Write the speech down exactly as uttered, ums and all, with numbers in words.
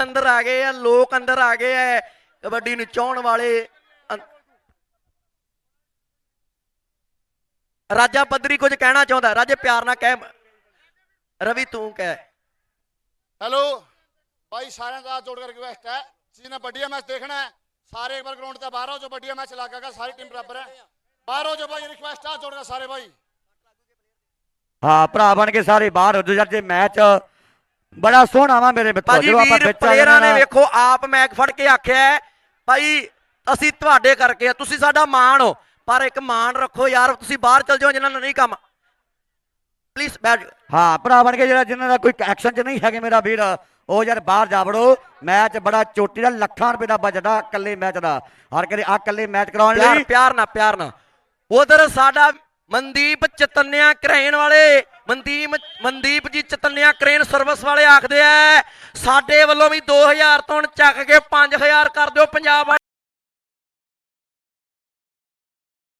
ਅੰਦਰ ਆ ਗਏ ਆ, ਲੋਕ ਅੰਦਰ ਆ ਗਏ ਆ ਕਬੱਡੀ ਨੂੰ ਚਾਹਣ ਵਾਲੇ। ਰਾਜਾ ਪੱਧਰੀ ਕੁਝ ਕਹਿਣਾ ਚਾਹੁੰਦਾ, ਰਾਜੇ ਪਿਆਰ ਨਾਲ ਕਹਿ। ਰਵੀ ਤੂੰ ਕਹਿ। हेलो भाई, सारे का जोड़ कर रिक्वेस्ट है, जिन्हें बढ़िया मैच देखना है सारे एक बार ग्राउंड से बाहर आओ, जो बढ़िया मैच लगाएगा सारी टीम बराबर है, बाहर हो जो भाई, रिक्वेस्ट है जोड़ कर सारे भाई। हाँ भरा बन के सारे बाहर हो जाओ जे मैच बड़ा सोहना वा मेरे मित्रों। ਭਾਜੀ ਵੀਰ ਪਲੇਅਰਾਂ ਨੇ ਵੇਖੋ ਆਪ ਮੈਚ ਫੜ ਕੇ ਆਖਿਆ ਭਾਈ ਅਸੀਂ ਤੁਹਾਡੇ ਕਰਕੇ ਆ, ਤੁਸੀਂ ਸਾਡਾ ਮਾਣ ਹੋ, ਪਰ ਇੱਕ ਮਾਣ ਰੱਖੋ ਯਾਰ, ਤੁਸੀਂ ਬਾਹਰ ਚਲ ਜਾਓ ਜਿਨ੍ਹਾਂ ਨੂੰ ਨਹੀਂ ਕੰਮ। ਪਲੀਜ਼ ਬੈਠ। हाँ भरा बन के जो जिन्होंने कोई एक्शन च नहीं है मेरा वीर वो यार बाहर जा वड़ो। मैच बड़ा चोटी का लखां रुपए का बजट आ कल्ले मैच का, हर करी आ कल्ले मैच करवाने प्यार प्यार ना प्यार ना। उधर साडा मनदीप चतन्या क्रेन वाले, मनदीप मनदीप जी चतन्या क्रेन सर्विस वाले आखदे आ साडे वल्लों भी दो हज़ार तो चक के पांच हज़ार कर दो पंजाब।